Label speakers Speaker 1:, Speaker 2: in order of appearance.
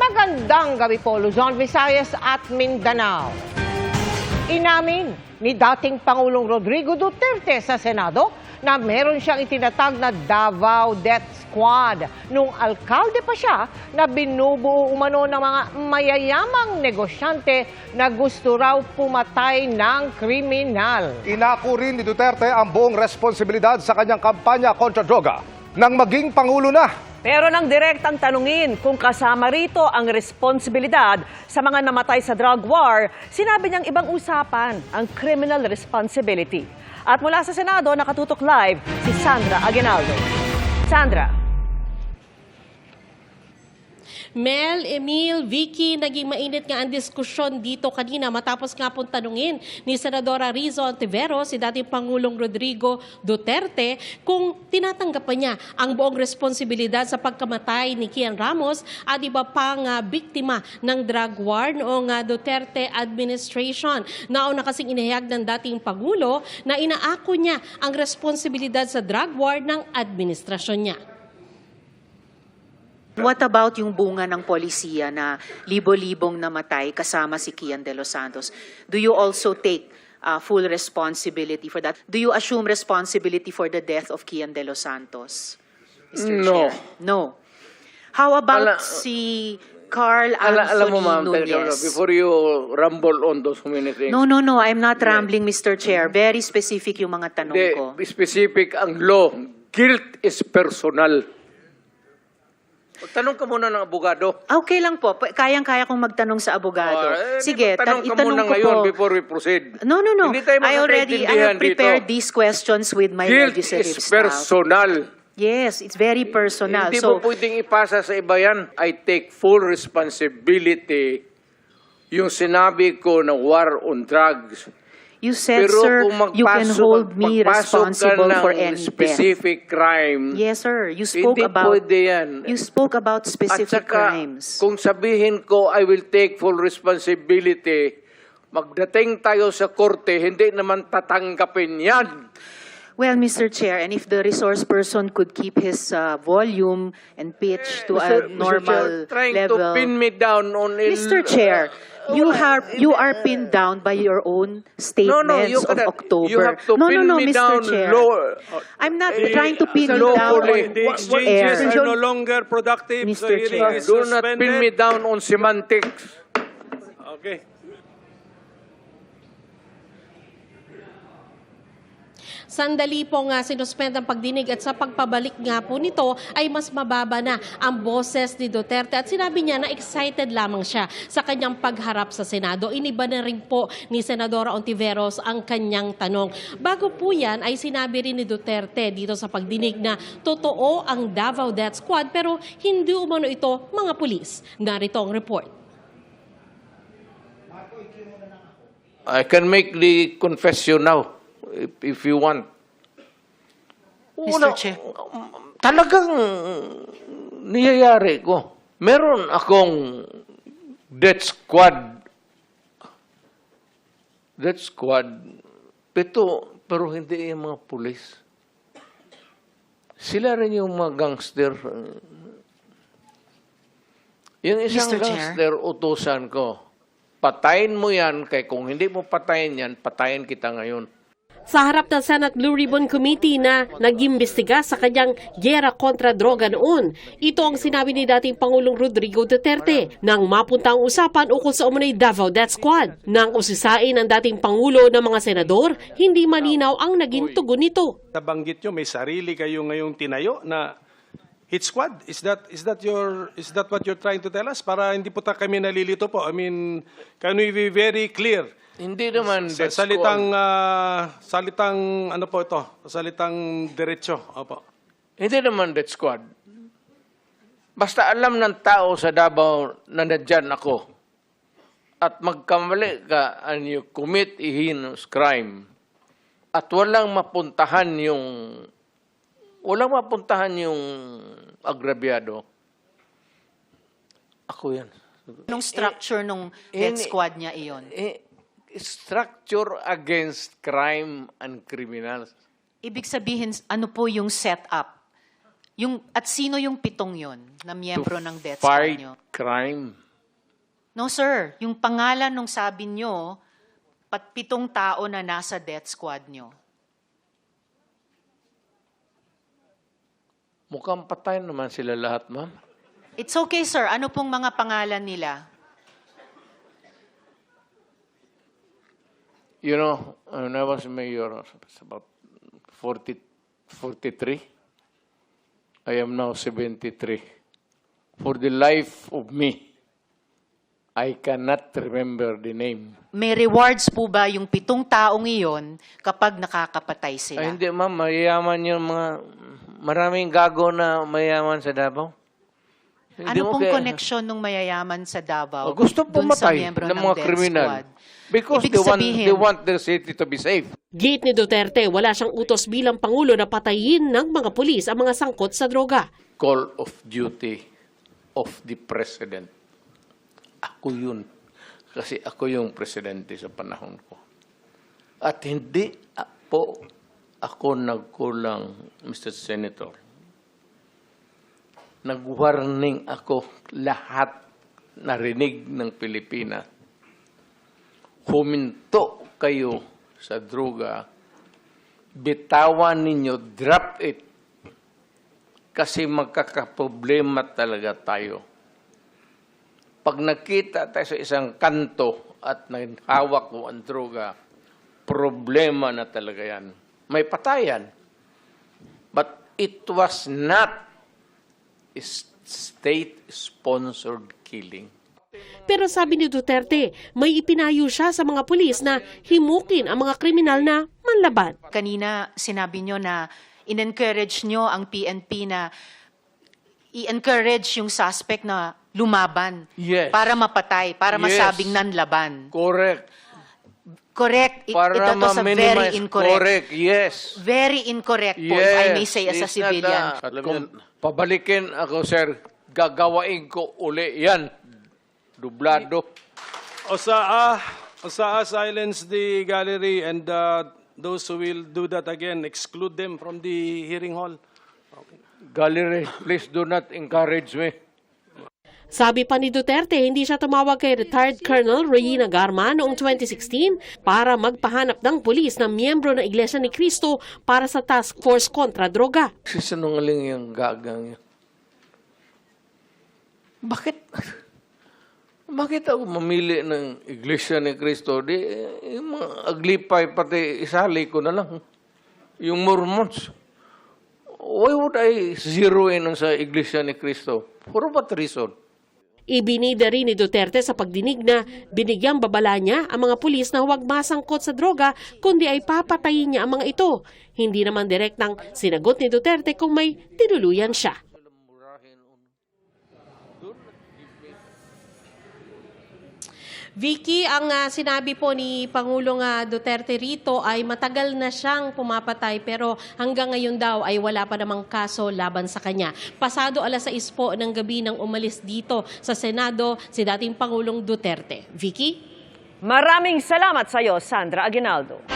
Speaker 1: Magandang gabi po, Luzon, Visayas at Mindanao. Inamin ni dating Pangulong Rodrigo Duterte sa Senado na meron siyang itinatag na Davao Death Squad nung alkalde pa siya na binubuo umano ng mga mayayamang negosyante na gusto raw pumatay ng kriminal.
Speaker 2: Inako rin ni Duterte ang buong responsibilidad sa kanyang kampanya kontra droga nang maging Pangulo na.
Speaker 3: Pero nang direktang tanungin kung kasama rito ang responsibilidad sa mga namatay sa drug war, sinabi niyang ibang usapan ang criminal responsibility. At mula sa Senado, nakatutok live si Sandra Aguinaldo. Sandra.
Speaker 4: Mel, Emil, Vicky, naging mainit nga ang diskusyon dito kanina matapos nga pong tanungin ni Senadora Rizzo Ontiveros si dating Pangulong Rodrigo Duterte kung tinatanggap pa niya ang buong responsibilidad sa pagkamatay ni Kian Ramos at iba pang biktima ng drug war noong Duterte administration. Nauna kasing inihayag ng dating Pangulo na inaako niya ang responsibilidad sa drug war ng administrasyon niya.
Speaker 5: What about yung bunga ng polisiya na libo-libong namatay kasama si Kian De Los Santos? Do you also take full responsibility for that? Do you assume responsibility for the death of Kian De Los Santos, Mr.
Speaker 6: No.
Speaker 5: Chair? No. How about si Carl Anthony
Speaker 6: Alam mo, ma'am,
Speaker 5: Nunez?
Speaker 6: before you rumble on those many things.
Speaker 5: No, I'm not rambling, Mr. Chair. Very specific yung mga tanong ko.
Speaker 6: Specific ang law. Guilt is personal. Tanong ka muna ng abogado.
Speaker 5: Okay lang po. Kayang-kaya kong magtanong sa abogado. Sige,
Speaker 6: tanong ka
Speaker 5: itanong
Speaker 6: muna
Speaker 5: ko
Speaker 6: ngayon
Speaker 5: po.
Speaker 6: before we proceed.
Speaker 5: No.
Speaker 6: Hindi tayo
Speaker 5: I have prepared
Speaker 6: dito.
Speaker 5: these questions with my
Speaker 6: Guilt
Speaker 5: legislative
Speaker 6: is
Speaker 5: staff.
Speaker 6: personal.
Speaker 5: Yes, it's very personal.
Speaker 6: Hindi mo pwedeng ipasa sa iba yan. I take full responsibility yung sinabi ko na war on drugs.
Speaker 5: You said,
Speaker 6: Pero
Speaker 5: sir,
Speaker 6: kung
Speaker 5: you can hold me responsible for any death.
Speaker 6: specific crime,
Speaker 5: Yes, sir. You spoke
Speaker 6: hindi
Speaker 5: about
Speaker 6: pwede yan.
Speaker 5: you spoke about
Speaker 6: At
Speaker 5: specific
Speaker 6: saka,
Speaker 5: crimes.
Speaker 6: kung sabihin ko, I will take full responsibility, magdating tayo sa korte, hindi naman tatanggapin yan.
Speaker 5: Well, Mr. Chair, and if the resource person could keep his volume and pitch to a normal
Speaker 6: Trying
Speaker 5: level.
Speaker 6: to pin me down on
Speaker 5: Mr. Chair, you are pinned down by your own statements
Speaker 6: you
Speaker 5: of
Speaker 6: cannot.
Speaker 5: October.
Speaker 6: You have to pin me
Speaker 5: Mr.
Speaker 6: down
Speaker 5: Chair.
Speaker 6: lower.
Speaker 5: I'm not trying to pin you
Speaker 6: lawfully.
Speaker 5: down
Speaker 7: The
Speaker 5: on
Speaker 7: exchanges
Speaker 5: air.
Speaker 7: are no longer productive.
Speaker 5: Mr.
Speaker 7: The hearing
Speaker 5: Chair.
Speaker 7: is
Speaker 6: Do not pin me
Speaker 7: suspended.
Speaker 6: down on semantics.
Speaker 7: Okay.
Speaker 4: Sandali po nga sinuspend ang pagdinig at sa pagpabalik nga po nito ay mas mababa na ang boses ni Duterte at sinabi niya na excited lamang siya sa kanyang pagharap sa Senado. Iniba na rin po ni Senadora Ontiveros ang kanyang tanong. Bago po yan ay sinabi rin ni Duterte dito sa pagdinig na totoo ang Davao Death Squad pero hindi umano ito mga pulis. Narito ang report.
Speaker 6: I can make the confession now, if you want.
Speaker 5: Mr. Chair.
Speaker 6: Talagang niyayari ko. Meron akong death squad. Death squad. Pero hindi yung mga pulis. Sila rin yung mga gangster. Yung isang
Speaker 5: Mr. Chair.
Speaker 6: gangster, utusan ko. Patayin mo yan, kaya kung hindi mo patayin yan, patayin kita ngayon.
Speaker 4: Sa harap ng Senate Blue Ribbon Committee na nag-imbestiga sa kanyang gyera kontra droga noon. Ito ang sinabi ni dating Pangulong Rodrigo Duterte nang mapunta ang usapan ukol sa umunay Davao Death Squad. Nang usisain ng dating Pangulo ng mga senador, hindi malinaw ang naging tugon nito.
Speaker 7: Nabanggit nyo, may sarili kayo ngayong tinayo na hit squad. Is that what you're trying to tell us? Para hindi po kami nalilito po. I mean, can we be very clear?
Speaker 6: Hindi naman death
Speaker 7: Salitang,
Speaker 6: squad.
Speaker 7: salitang, ano po ito? Salitang diretso. Opo.
Speaker 6: Hindi naman death squad. Basta alam ng tao sa Davao na nandyan ako at magkamali ka and you commit a heinous crime at walang mapuntahan yung agrabyado, ako yan.
Speaker 5: Anong structure nung death squad niya iyon?
Speaker 6: Structure against crime and criminals.
Speaker 5: Ibig sabihin, ano po yung setup? At sino yung 7 yon na miyembro ng death squad
Speaker 6: Fight
Speaker 5: nyo?
Speaker 6: crime.
Speaker 5: No, sir. Yung pangalan nung sabi nyo, 7 tao na nasa death squad nyo.
Speaker 6: Mukhang patay naman sila lahat, ma'am.
Speaker 5: It's okay, sir. Ano pong mga pangalan nila?
Speaker 6: You know, when I was mayor, it's about 43. I am now 73. For the life of me, I cannot remember the name.
Speaker 5: May rewards po ba yung 7 taong iyon kapag nakakapatay sila?
Speaker 6: Ay, hindi, ma'am. Mayayaman yung mga... Maraming gago na mayayaman sa Davao. Hindi
Speaker 5: Ano
Speaker 6: mo
Speaker 5: pong
Speaker 6: kaya-
Speaker 5: connection ng mayayaman sa Davao
Speaker 6: Gusto
Speaker 5: dun sa
Speaker 6: pumatay
Speaker 5: miyembro
Speaker 6: ng
Speaker 5: ng
Speaker 6: mga
Speaker 5: death
Speaker 6: kriminal.
Speaker 5: squad?
Speaker 6: Because
Speaker 5: Ibig sabihin-
Speaker 6: they want their city to be safe.
Speaker 4: Gate ni Duterte, wala siyang utos bilang Pangulo na patayin ng mga pulis ang mga sangkot sa droga.
Speaker 6: Call of duty of the President. Ako yun. Kasi ako yung presidente sa panahon ko. At hindi po ako nagkulang, Mr. Senator. Nag-warning ako lahat narinig ng Pilipinas. Huminto kayo sa droga. Bitawan ninyo, drop it. Kasi magkakaproblema talaga tayo. Pag nakita tayo sa isang kanto at hawak mo ang droga, problema na talaga yan. May patayan. But it was not a state-sponsored killing.
Speaker 4: Pero sabi ni Duterte, may ipinayo siya sa mga pulis na himukin ang mga kriminal na manlaban.
Speaker 5: Kanina sinabi nyo na in-encourage nyo ang PNP na i-encourage yung suspect na lumaban
Speaker 6: Yes.
Speaker 5: para mapatay, para
Speaker 6: Yes.
Speaker 5: masabing nanlaban.
Speaker 6: Correct.
Speaker 5: Correct.
Speaker 6: Para
Speaker 5: Ito to sa very
Speaker 6: ma-minimize.
Speaker 5: incorrect.
Speaker 6: Correct, yes.
Speaker 5: Very incorrect po, if I may say as a
Speaker 6: It's not
Speaker 5: civilian.
Speaker 6: At kung pabalikin ako, sir, gagawain ko uli yan. Dublado.
Speaker 7: Osaa, silence the gallery and those who will do that again, exclude them from the hearing hall.
Speaker 6: Gallery, please do not encourage me.
Speaker 4: Sabi pa ni Duterte, hindi siya tumawag kay retired Colonel Regina Garma noong 2016 para magpahanap ng pulis na miyembro ng Iglesia ni Cristo para sa task force kontra droga.
Speaker 6: Sisinungaling yung gagang yan. Bakit? Bakit ako mamili ng Iglesia ni Cristo? Di, yung mga aglipay, pati isali ko na lang. Yung Mormons. Why would I zero in sa Iglesia ni Cristo? For what reason?
Speaker 4: Ibinida rin ni Duterte sa pagdinig na binigyang babala niya ang mga pulis na huwag masangkot sa droga kundi ay papatayin niya ang mga ito. Hindi naman direktang sinagot ni Duterte kung may tinuluyan siya. Vicky, ang sinabi po ni Pangulong Duterte rito ay matagal na siyang pumapatay pero hanggang ngayon daw ay wala pa namang kaso laban sa kanya. Pasado 6:00 po ng gabi nang umalis dito sa Senado si dating Pangulong Duterte. Vicky?
Speaker 3: Maraming salamat sa iyo, Sandra Aguinaldo.